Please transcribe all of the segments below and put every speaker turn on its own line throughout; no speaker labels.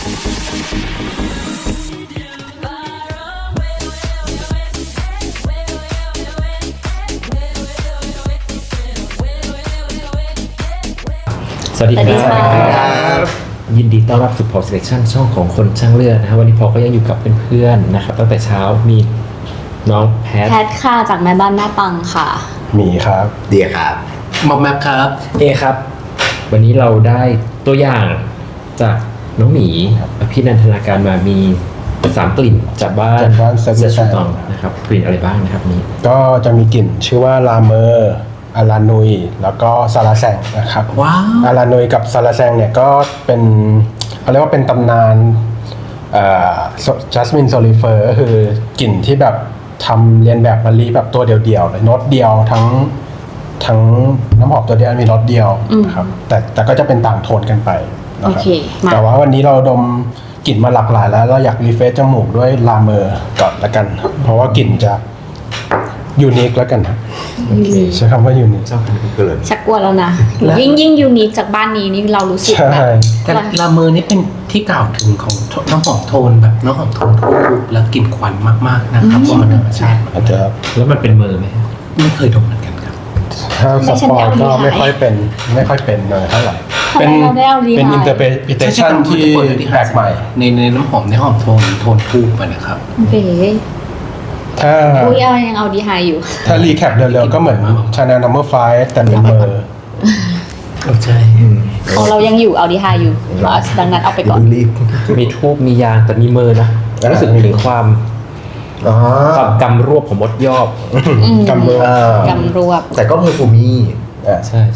สวัสดี
สวัสดี
ค
ค่ะ
รับยินดีต้อนรับสู่ Paul Selection ช่องของคนช่างเลือดนะครับวันนี้พอก็ยังอยู่กับเพื่อนๆนะครับตั้งแต่เช้ามีน้องแพท
แพทค่ะจากแม่บ้านแม่ปังค่ะ
หมีครับ
เดียครับ
หมอแม็กครับ
เอครับ วันนี้เราได้ตัวอย่างจากน้องหมีพี่นันทนาการมามี3 กลิ่นจากบ้าน
เซ
เซ
อ
ชู
ร์
ตองนะครับกลิ่นอะไรบ้างนะครับนี้
ก็จะมีกลิ่นชื่อว่าลาเมอร์อารานุยแล้วก็ซาลาแซงนะครับ
ว้าว
อารานุยกับซาลาแซงเนี่ยก็เป็นเขาเรียกว่าเป็นตำนานจัสมินโซลิเฟอร์ก็คือกลิ่นที่แบบทำเรียนแบบมะลิแบบตัวเดียวๆเลยโน้ตเดียวทั้งน้ำหอมตัวเดียวมีรสเดียวนะครับแต่ก็จะเป็นต่างโทนกันไปนะ
โอ
ครับ
เคมา
แต่ว่าวันนี้เราดมกลิ่นมาหลากหลายแล้วเราอยากรีเฟรชจมูกด้วยลาเมอร์ก่อนละกันครับเพราะว่ากลิ่นจะยูนิคแล้วกันครับ
โอเค
ใช้คำว่ายูนิค
ชอบทำเกิน
ชักกลัวแล้วนะยิ่งยูนิคจากบ้านนี้นี่เรารู้สึก
ใช่
แบบ
แต่ลาเมอร์นี่เป็นที่กล่าวถึงของน้ำหอมโทนแบบน้ำหอมโทนทูบแล้วกลิ่นควันมากๆนะครับเพราะมันธรรมชาติ
อาจจะ
แล้วมันเป็นเมอร์ไหม
ไม่เคยดมเหมือนกันครับ
ถ้าสปอร์ตก็ไม่ค่อยเป็นเลยเท่าไหร่
ทำไมเราได้เอาดี
เป็น
ไฮ
อินเตอร์เพรสชันที่แปลกใหม่
ในน้ำหอมโทนทูบนะครับ
โอเค
ถ้า
อุ้ยยังเอาดีไฮอยู่
ถ้ารีแคปเร็วๆก็เหมือน Chanel No. 5แต่เป็นเมอร์
ใช่
ของเรายังอยู่เอาดีไฮอยู่ดังนั้นเอาไปก่อน
รีบ
มีทูบมียางแต่มีเมอร์นะรู้สึกถึงความ
อ๋อก
ำรวบของมดยอบ
กำเมอร์
กำรวบ
แต่ก็เพอร์ฟูมี่
ใช่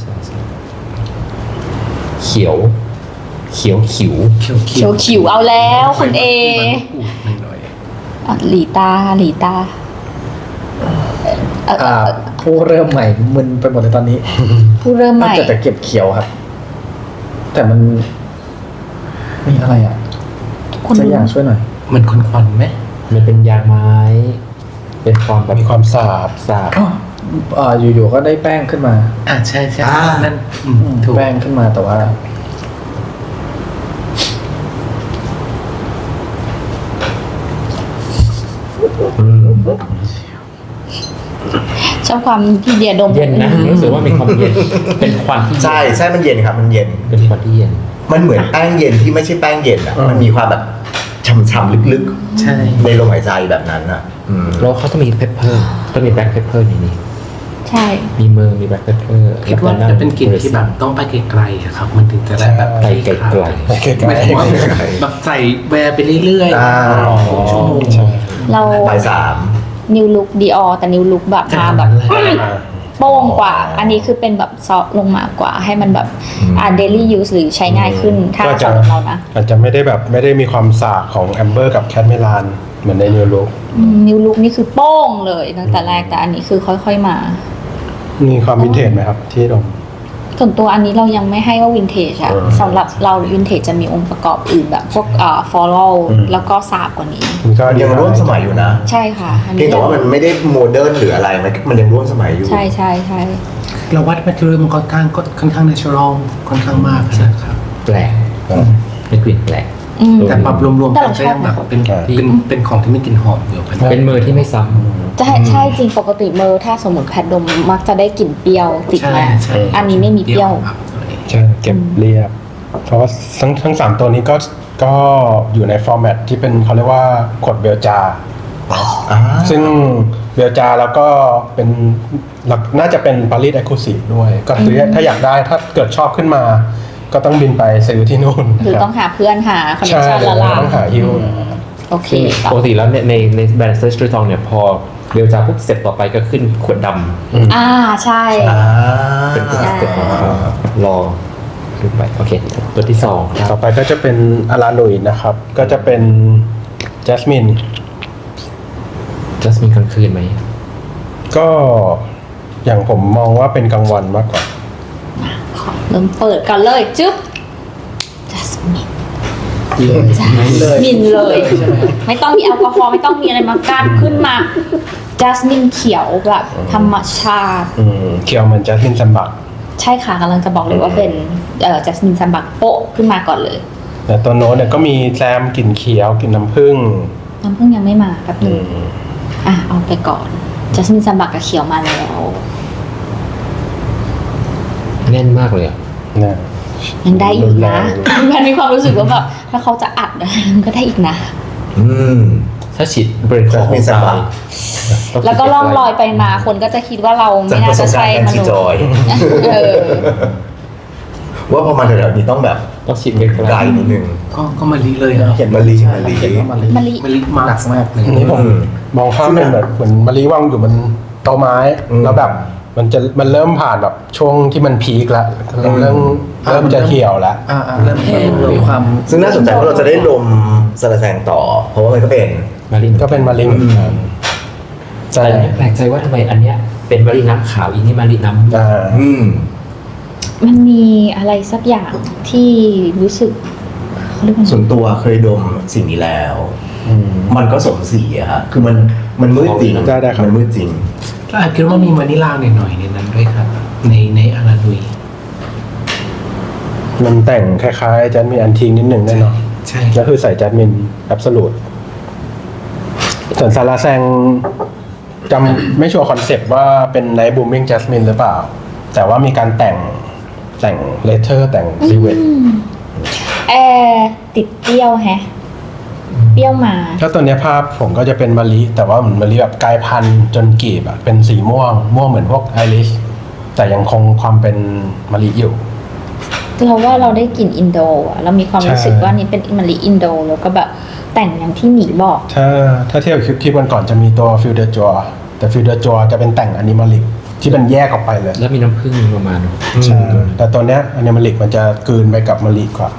เขียวขิว
เขียวขิวเอาแล้วคุณเอ
หน่อย
อ่ะหลีตา
ผู้เริ่มใหม่มึนไปหมดเลยตอนนี้
ผู้เริ่มใหม่
จะเก็บเขียวครับ แต่มันมีอะไรอ่ะ
คุณ
สักอย่างช่วยหน่อย
ๆมันควันๆไหม
มันเป็นยางไม้ เป็นความแบบ
มีความสาบ
สาบ
อยู่ๆก็ได้แป้งขึ้นมา
ใช่นั่นถูก
แป้งขึ้นมาแต่ว่า
ชอบความที่เดียดม
เย็นนะรู้สึกว่ามีความเย็นเป็นควันที่
ใช่มันเย็นครับมันเย็น
เป็นควันที่เย็น
มันเหมือนแป้งเย็นที่ไม่ใช่แป้งเย็นอ่ะมันมีความแบบช่ำๆลึก
ใช่
ๆในลมหายใจแบบนั้นอ่ะ
แล้วเขาต้องมีเพปเปอร์ต้องมีแบล็คเพปเปอร์ในนี้
ใช่
มีเมอร์มีแบล็คเพปเปอร์
คิดว่าจะเป็นกลิ่นที่แบบต้องไปไกลๆอะครับ มันถึงจะได้แบบ
ไปไกล
ไม่ถึงว่าแบบใส่แวร์ไปเรื่อย
อ่า
ๆชั่วโมง
เรา
บ่าย 3
นิวลุคดีออแต่นิวลุคแบบมาแบบโป้งกว่า อันนี้คือเป็นแบบซอฟลงมากว่าให้มันแบบเดลี่ยูสหรือใช้ง่ายขึ้นถ้า
ก็จะ
สำหรับเรานะ
อาจจะไม่ได้มีความสาบของแอมเบอร์กับแคทเมลานเหมือนในนิวลุก
นิวลุคนี่คือโป้งเลยตั้งแต่แรกแต่อันนี้คือค่อยๆมา
มีความวินเทจไหมครับที่ดม
ส่วนตัวอันนี้เรายังไม่ให้ว่าวินเทจอะ
อืม
สำหรับเราวินเทจจะมีองค์ประกอบอื่นแบบพวกฟอลโล่ แล้วก็สาบกว่านี้
มันก็
มันยังร่วมสมัยอยู่นะ
ใช่ค่ะอัน
เพีย
นี้
งแต่ว่ามันไม่ได้โมเดิร์นหรืออะไรมันยังร่วมสมัยอยู่
ใช่ใช่ใช่
เราวัดแมทเทอเรียลมันค่อนข้าง natural ค่อนข้างมากนะครับ
แปลกเป็นกลิ่นแปลก
อืม
แต่ปรับรวมๆ
แต่
กัน
เราช
ก็
อบ
ยังแบบเป็นของที่ไม่กลิ่นหอมอยู่เป็น
เป็นเมอร์ที่ไม่ซ้
ใช่ใช่จริงปกติเมอร์ถ้าสมมติแพทดมมักจะได้กลิ่นเปรี้ยวติดมา
ใช่
อันนี้ไม่มีเปรี้ยว
ครับ
ใช่เก็บเรียบ เพราะว่าทั้ง3ตัวนี้ก็อยู่ในฟอร์แมตที่เป็นเขาเรียกว่าขวดเบลจา ซึ่งเบลจาแล้วก็เป็นน่าจะเป็นปารีสเอ็กซ์คลูซีฟด้วย ก็คือถ้าอยากได้ถ้าเกิดชอบขึ้นมา ก็ต้องบินไปซื้อที่นู่น
หรือต้องหาเพื่อนหาคอนเนค
ใช่
ชั่นละลา
ต้องหาฮิ้ว
โอเค
ำ
ต่อ
ปกติแล้วเนี่ยในแบรนด์เซอร์ชูตองเนี่ยพอเรียวจาปุ๊บเสร็จต่อไปก็ขึ้นขวดด
ใช่
ำเป็นสเต็ปของเขารอดูไปโอเค ตัวที่2ค
ต่
รั
อบ ไปก็จะเป็นอารานุยนะครับ ก็จะเป็นจัสมิน
จัสมินกลางคืนไหม
ก็อย่างผมมองว่าเป็นกลางวันมากกว่า
ขอเริ่มเปิดกันเลยจึ๊บจัสมิน มินเลย ไม่ต้องมีแอลกอฮอล์ไม่ต้องมีอะไรมากั้นขึ้นมาจัสมินเขียวแบบธรรมชาติ
เคียวเหมือนจัสมินซัมบัก
ใช่ค่ะกำลังจะบอกเลยว่าเป็นจัสมินซัมบักโปะขึ้นมาก่อนเลย
แต่ตัวโน้ตเนี่ยก็มีแซมกลิ่นเขียวกลิ่นน้ำผึ้ง
น้ำผึ้งยังไม่มาแป๊บนึงเอาไปก่อนจัสมินซัมบักกับเขียวมาแล้ว
แน่นมากเลยอะ
นะ
ยังได้อีกนะ
รุนแรง
มันมีความรู้สึกว่าแบบถ้าเขาจะอัดอะไรมันก็ได้อีกนะ
อืม
ถ้าฉีดเบรกของ
มีสบาย
แล้วก็ล่องลอยไปมาคนก็จะคิดว่าเรา
จาก
ไม่
ป
น่า
ระส
จะ
บการ
ใช่
ณ์การ
ม
ฉีด
นุษ
จอย
ย์เออ
ว่าพอมาแถวๆนี้ต้องแบบ
ต้องฉีดเบรก
ไกลนิดนึง
ก็มาลีเลยนะ
เห็น
มะลิ
ใช่
มะลิ
เห็นว่ามะลิ
มะลิ
มาลีมา
หนักมากเลย
อันนี้ผมมองภาพเป็นแบบเหมือนมะลิว่างอยู่บนโต๊ะไม้ แล้วแบบมันเริ่มผ่านแบบช่วงที่มันพีคแล้วเริ่มจะเหี่ยวแล้ว
เริ่มมีความ
ซึ่งน่าสนใจว่าเราจะได้ลมสระแสงต่อ เพราะว่ามันก็เป็น
มาริน
ก็เป็นมะลิเหมือนกัน
แต่
ใช่
อันเนี้ยแปลกใจว่าทำไมอันเนี้ยเป็นมาริน้ำขาวอีนี่มาริน้ำ
อืม
มันมีอะไรสักอย่างที่รู้สึกเขาเรียกว่า
ส่วนตัวเคยดมสิ่งนี้แล้ว มันก็สมสีอะฮะคือมันมืดจริง
ได้ครับ
มันมืดจริง
ก็อาจคิดว่ามีวานิลลาหน่อยๆในนั้นด้วยครับ ในอาราลุย
มันแต่งคล้ายๆจัสมินอันทิงนิดหนึ่งแน่นอน
ใช่
ก็คือใส่จัสมินแอบสูตส่วนซาลาแซงจำไม่ชัวร์คอนเซปต์ว่าเป็นไนท์บูมมิ่งจัสมินหรือเปล่า แต่ว่ามีการแต่งเลเทอร์แต่งรีเวท
แอร์ติดเปรี้ยวแฮะ เปรี้ยวมา
ถ้าตัวเนี้ยภาพผมก็จะเป็นมะลิแต่ว่าเหมือนมะลิแบบกลายพันธุ์จนกลีบอะเป็นสีม่วงเหมือนพวกไอริสแต่ยังคงความเป็นมะลิอยู่
เราว่าเราได้กลิ่นอินโดอะเรามีความรู้สึก
ใช่
ว่านี่เป็นมะลิอินโดแล้วก็แบบแต่งอย่างที่หมีบอก
ถ้าเทียบกับคลิปวันก่อนจะมีตัวฟิลเดอร์จัวแต่ฟิลเดอร์จัวจะเป็นแต่งอนิมอลิกที่เป็นแยกออกไปเลย
แล้วมีน้ำผึ้งประมาณ
ใช่แต่ตัวเนี้ยอนิมอลิกมันจะกลืนไปกับมะลิกว่า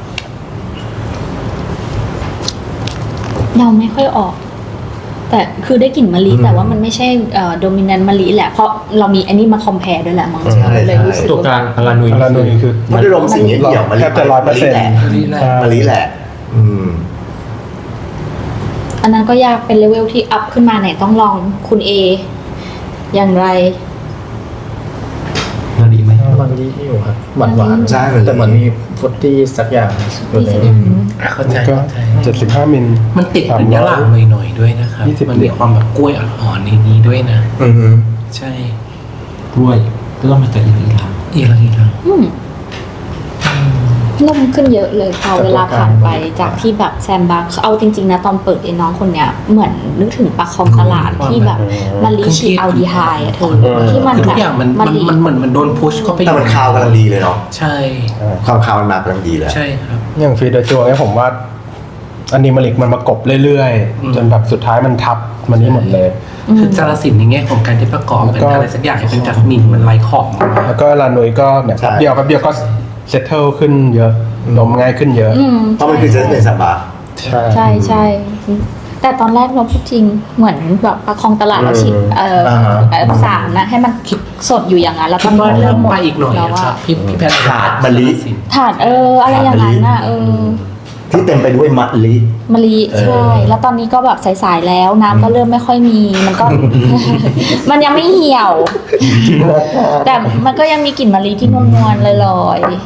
เราไม่ค่อยออก แต่คือได้กลิ่นมะลิแต่ว่ามันไม่ใช่โดมินันต์มะลิแหละเพราะเรามีอันนี้มาคอมเพลด้วยแหละมั้ง
ใช่
เลยรู้สึก
ตัวกลางอารานุย
อารานุยคือ
มันได้ลมสิ่งนี้เดี่ยวมะลิ
แทบจะ100%
มะลิแหละ
ใช่
มะลิแหละ อืม
อันนั้นก็ยากเป็นเลเวลที่อัพขึ้นมาไหนต้องลองคุณเออย่างไร
มาริไหม
มันดีที่อยู่ครับหวานหวาน
ใช่มันดี
แต่เหมือนมีฟรุตตี้สักอย่างอยู่ในนี้
เข้าใจ
ก็
เข้าใจ
75 มิล
มันติดเหมือนยะหลางหน่อยๆด้วยนะครับ
20
มันมีความแบบกล้วยอ่อนๆในนี้ด้วยนะ
อือฮึ
ใช่
กล้วยก็ต้องมาจากอินเดีย
อีหลัง
อืมนุ่มขึ้นเยอะเลยพอเวลาผ่านไปจากที่แบบแซมบักเอาจริงๆนะตอนเปิดไอ้น้องคนเนี้ยเหมือนนึกถึงปลาคองตลาดที่แบบมันลิชีอัลดีไฮอะเธอที่มัน
คือทุ
แบ
ก
บ
อย่างมันเหมือนโดนพุชเข้าไป
แต่มันคาวกำลังดีเลยเนาะ
ใช่
ความคาวมันมากำลังดีเลย
ใช่ครับ
อย่างฟิลเดอร์จัวเนี่ยผมว่าอนิมอลิกมันมากบเรื่อย
อืม
ๆ จนแบบสุดท้ายมันทับมันนี่หมดเลย
คือจารสินในแง่ของการที่ประกอบเป็น
แล้วก็
อะไรสักอย่างให้เป็นจัสมินมันไร้ขอบมาก
แล้วก็ลานุยก็เนี่ย
ใช่
แป๊บเดียวก็เซตเทิลขึ้นเยอะลมง่ายขึ้นเยอะ
อืม
เพราะมันคือเจสเป็นสับบา
ใช่
ใช่ใช่แต่ตอนแรกเราพูดจริงเหมือนแบบประคองตลาดเราฉีดสารนะให้มันสดอยู่อย่างนั้นแล้วต
คิ
อ
ด
น
ว่า
นี้เริ่มหมด
ไปอีกหน่อย
แล้ว
อะค
ว่า
รับพี่แพทย์
ขาดมะลิ
ถาดอะไรอย่างนั้นน่ะ
ที่เต็มไปด้วยมะลิ
มะลิใช่แล้วตอนนี้ก็แบบสายๆแล้วน้ำก็เริ่มไม่ค่อยมีมันก็ มันยังไม่เหี่ยว แต่มันก็ยังมีกลิ่นมะลิที่นวลๆลอยๆ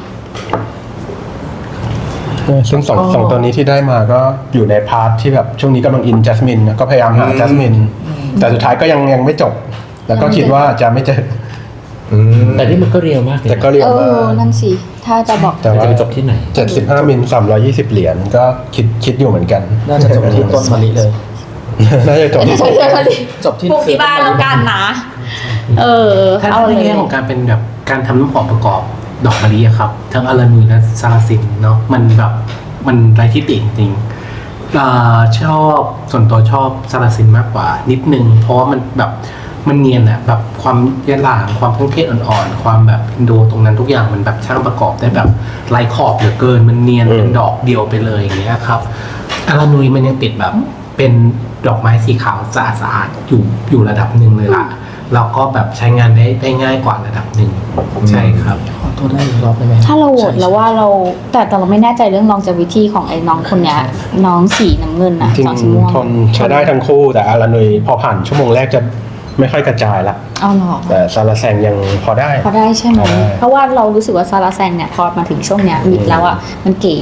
ซึ่งสองตัวนี้ที่ได้มาก็อยู่ในพาร์ทที่แบบช่วงนี้กำลังอินจัสมินก็พยายามหาจัสมินแต่สุดท้ายก็ยังไม่จบ แล้วก็คิดว่าจะไม่เจอ
แต่นี่มันก็เรียวมากเลย
แต่ก็เรียกว่า
นั่นสิ ถ้าจะบอก
แต่
มัน
ว่า
จะไปจบที่ไหน
75 มิล320 เหรียญก็คิดอยู่เหมือนกัน
น่าจะจบที่ต้นมะลิเลย
น่าจะจบที่
จบที่
ปลูกที่บ้านแล้วกันนะ
ถ้า
เอา
ใน
เลย
แง่ของการเป็นแบบการทำน้ำหอมประกอบดอกมะลิอะครับ ทั้งอารานุยและซาลาซินเนาะมันแบบมันไร้ที่ติจริงๆชอบส่วนตัวชอบซาลาซินมากกว่านิดนึงเพราะว่ามันแบบมันเนียนอะแบบความยะหลางความเครื่องเทศอ่อนๆความแบบอินโดตรงนั้นทุกอย่างมันแบบช่างประกอบได้แบบไร้ขอบเหลือเกินมันเนียนเป็นดอกเดียวไปเลยอย่างเงี้ยครับอารานุยมันยังติดแบบเป็นดอกไม้สีขาวสะอาดๆอยู่ระดับหนึ่งเลยล่ะแล้วก็แบบใช้งานได้ง่ายกว่าระดับหนึ่งใช่ครับ
ขอโทษได้อีกรอบได้ไหม
ถ้าเราโหวตแล้วว่าเราแต่เราไม่แน่ใจเรื่องลองจวิธีของไอ้น้องคนเนี้ยน้องสีน้ำเงินนะ
จริง
สองสีม่วง
ทนใช้ได้ทั้งคู่แต่อารานุยพอผ่านชั่วโมงแรกจะไม่ค่อยกระจายละ
เอาหรอ
แต่ซาลาแซงยังพอได้
พอได้ใช่ไหม
พอได้
เพราะว่าเรารู้สึกว่าซาลาแซงเนี่ยพอมาถึงช่วงเนี้ยมิดแล้วอ่ะมันเก๋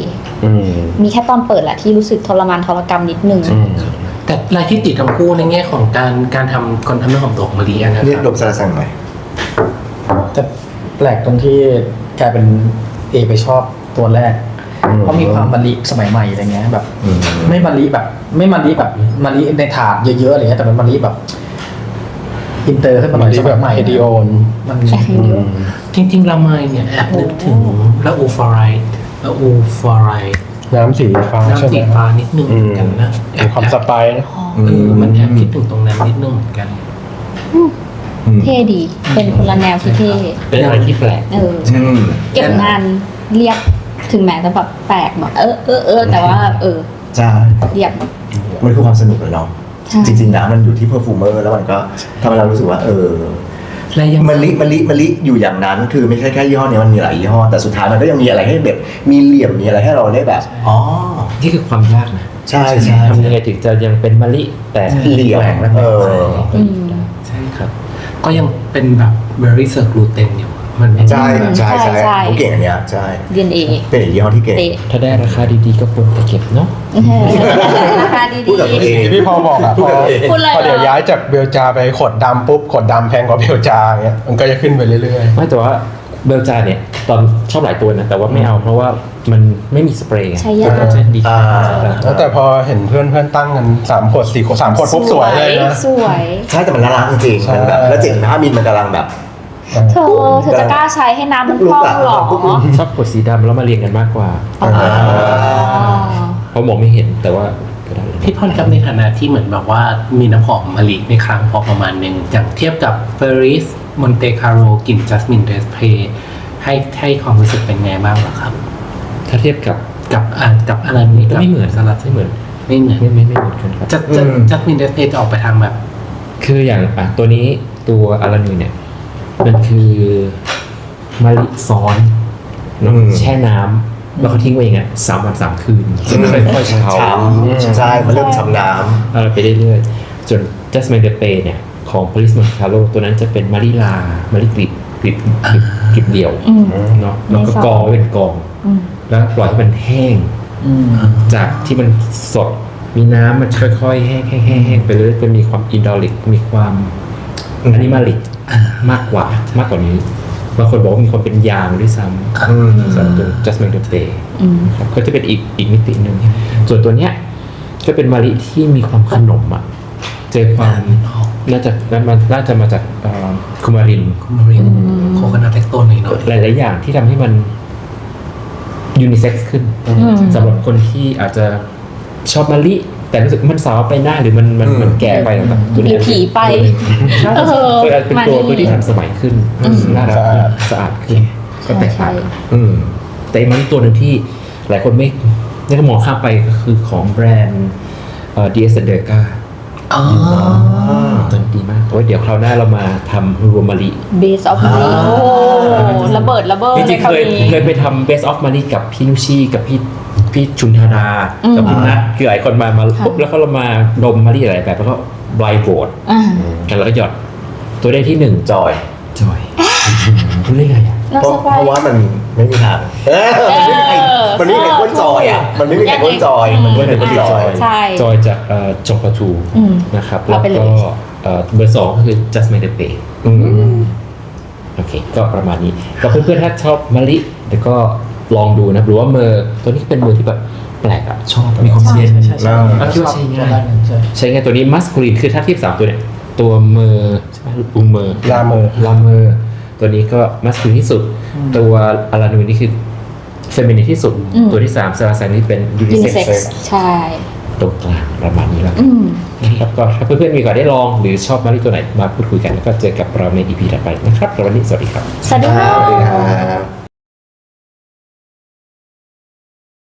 มีแค่ตอนเปิดแหละที่รู้สึกทรมานทรกรรมนิดนึง
แต่รายที่ติดทั้งคู่ในแง่ของการทำคนทำน้ำหอมดอกมะลินะค
เรียก
รับ
ดมซาลาซังหน่อย
แต่แปลกตรงที่กลายเป็นเอไปชอบตัวแรก เพราะมีความมะลิสมัยใหม่อะไรเงี้ยแบบ ไม่มะลิแบบไม่มะลิแบบมะลิในถาดเยอะๆอะไรเงี้ยแต่มันมะลิแบบอินเตอร์ขึ้นมาหน่อย
มะลิ
สมัยใหม่
แบบ Ideon
มัน
ใช่
จริงๆละไมเนี่ยแอบนึกถึงละอูฟอร์ไรด์ละอูฟอร์ไรด์
น้ำสีฟ้าใช่
น้ำ
ไหม
สีฟ้านิดนึงเหมือนกันนะ
มีความสไปซ์นะ
มันแอบคิดถึงตรงนั้นนิดนึงเหมือนกัน
เท่ดี เป็นคนละแนวที่เท่
เป็นอะไรที่แปลก
เก็บงานเรียบถึงแม้จะแบบแปลกแบบแต่ว่า
ใช่
เรียบ
มันคือความสนุกเลยเนาะ
ใช่
จริงๆนะมันอยู่ที่เพอร์ฟูเมอร์แล้วมันก็ทำให้เรารู้สึกว่า
และยัง
มะลิอยู่อย่างนั้นคือไม่ใช่แค่ยี่ห้อนี้มันมีหลายยี่ห้อแต่สุดท้ายมันก็ยังมีอะไรให้แบบมีเหลี่ยมมีอะไรให้เราได้แบบอ๋อ
นี่คือความยากนะ
ใช่ใช่
ทำยังไงถึงจะยังเป็นมะลิแต่
เหลี่ยม
แหวกและ
อืม
ใช่ครับ ก็ยังเป็นแบบ very c i r c l u t e n อยู่มันไม่
ใช่ใช่
ใช่
ใช่
ใช่
เขาเก่งอันเนี้ยใช่
DNA
เป็นอีกยี่ห้อที่เก่ง
เตะ
ถ้าได้ราคาดีๆก็ควรจะเก็บเนาะ
ราคาดี
พูดกับตัวเอง
ที่พี่พอบอกอะพอ
พูดเลย
พอเดี๋ยว
เหรอ
ย้ายจากเบลจาไปขวดดำปุ๊บขวดดำแพงกว่าเบลจาอย่างเงี้ยมันก็จะขึ้นไปเรื่อย
ไม่แต่ว่าเบลจาเนี่ยตอนชอบหลายตัวนะแต่ว่าไม่เอาเพราะว่ามันไม่มีสเปรย์ไง
ใช่ยาก
ก็จะดี
ๆแล้วแต่พอเห็นเพื่อนตั้งกัน3 ขวด 4 ขวด 3 ขวดปุ๊บสวยเลยนะ
สวย
ใช่แต่มันน่ารักจริงๆมันแบบแล้ว7.5 มิลมันกำลังแบบ
เธอจะกล้าใช้ให้น้ำมันพองหรอ
ชอบขวดสีดำแล้วมาเรียงกันมากกว่า
อ๋อ
เพราะมองไม่เห็นแต่ว่าก็ได้
พี่พรกับในฐานะที่เหมือนแบบว่ามีน้ำหอมมะลิในครั้งพอประมาณหนึ่งอย่างเทียบกับเฟอริสมอนเตคาโรกลิ่นจัสมินเดสเพย์ให้ความรู้สึกเป็นไงบ้างล่ะครับ
ถ้าเทียบกับ
กับอะไรนี้
ก็ไม่เหมือน
สลัด
ไม่เหมือน
ไม่เหมือน
ไม่เหมือนกันครับ
จัสมินเดสเพย์จะออกไปทางแบบ
คืออย่างตัวนี้ตัวอารานูเนี่ยมันคือมะลิซ้อนเนอะแช่น้ำแล้วเขาทิ้งไว้อย่างเงี้ย3 วัน 3 คืนซึ่งค่อยๆเฉา
ช้ำใช่มันเริ่มช้ำน้
ไปเรื่อยๆส่วน Jasmine de Pay เนี่ยของ Paris Montecalo ตัวนั้นจะเป็นมะลิลามะลิกลีบเดี่ยว
อืม
เนาะแล้วก็กองไว้เป็นกอง
อืม
แล้วปล่อยให้มันแห้ง จากที่มันสดมีน้ำมันค่อยๆแห้งไปเรื่อยๆจะมีความอินดอลิกมีความอนิมาลิกมากกว่านี้บางคนบอกว่ามีความเป็นยางด้วยซ้ำสำหรับตัว Jasmine de Pay
อืม
ครับก็จะเป็นอีกมิติหนึ่งส่วนตัวเนี้ยก็เป็นมะลิที่มีความขนมอ่ะเจอความน่าจะมาจากคุมาริน
มารินโคคานาเทคโตนหน่อย
หลายๆอย่างที่ทำให้มันยูนิเซ็กซ์ขึ้นสำหรับคนที่อาจจะชอบมะลิแต่รู้สึกมันสาวไปหน้าหรือมันแก่ไปต่างๆตัวนี้
ผีไป
ใช่
เออ
เป็นตัวที่ทันสมัยขึ้นน่ารักสะอาดขึ้นก็แตกต่าง แต่อีกมะลิตัวหนึ่งที่หลายคนไม่ได้มองข้ามไปก็คือของแบรนด์DSเดอร์กา
อ๋อ
ตัวนี้ดีมากโอ้ยเดี๋ยวคราวหน้าเรามาทำรวมมะลิ
Base of Mali โอ้ระเบิด
จริงๆเคยไปทำ Best of Mali กับพี่นุชีกับพี่ชุนธาดากับพี่นัทคือหลายคนมาปุ๊บแล้วก็เรามาดมมะลิหลายแบบแล้วก็ไบรท์โหวตกันแล้วก็หยอดตัวได้ที่1
ำจอย
จอยรู้ได้ไงอ่ะ
น่า
เพราะ
ส
เพ
บาย
ราะว่ามันไม่มีทางมันไม่มีใครก้นจอยอ่ะมันไม่มีใครก้นจอยมันไม่มีใครก้นจอย
ใช่
จอยจากจงปาทู
อืม
นะครับ
เอา
แล้ว
ไปเลย
ก็เบอร์ 2ก็คือ Jasmine de Pay โอเค ก็ประมาณนี้ก็เพื่อนๆถ้าชอบมะลิแล้วก็ลองดูนะหรือว่าเมอร์ตัวนี้เป็นเมอร์ที่แบบแปลกอ่ะชอบมีความเย็น
ใช่
แล้วคิดว่าใช้ง่าย
ใช่
ใช้ง่ายตัวนี้มัสคูลินคือถ้าเทียบ3ตัวเนี่ยตัวเมอร์ใช่ไหมอูเมอร์
ลาเมอร์
ลาเมอร์ตัวนี้ก็มัสคูลินที่สุด ตัวอารานูนี่คือเฟมินินที่สุด ตัวที่3ซาราซังนี่เป็นยูนิเซ็ก
Unisex
ซ์
ใช่
ตรงกลางประมาณนี้แล้วกัน
อืม
นะครับก็ถ้าเพื่อนๆมีโอกาสได้ลองหรือชอบมะลิตัวไหนมาพูดคุยกันแล้วก็เจอกับเราใน EP ถัดไปนะครับสำหรับวันนี้สวัสดีครับ
สวัสดีค่ะ
สวัสดีครับ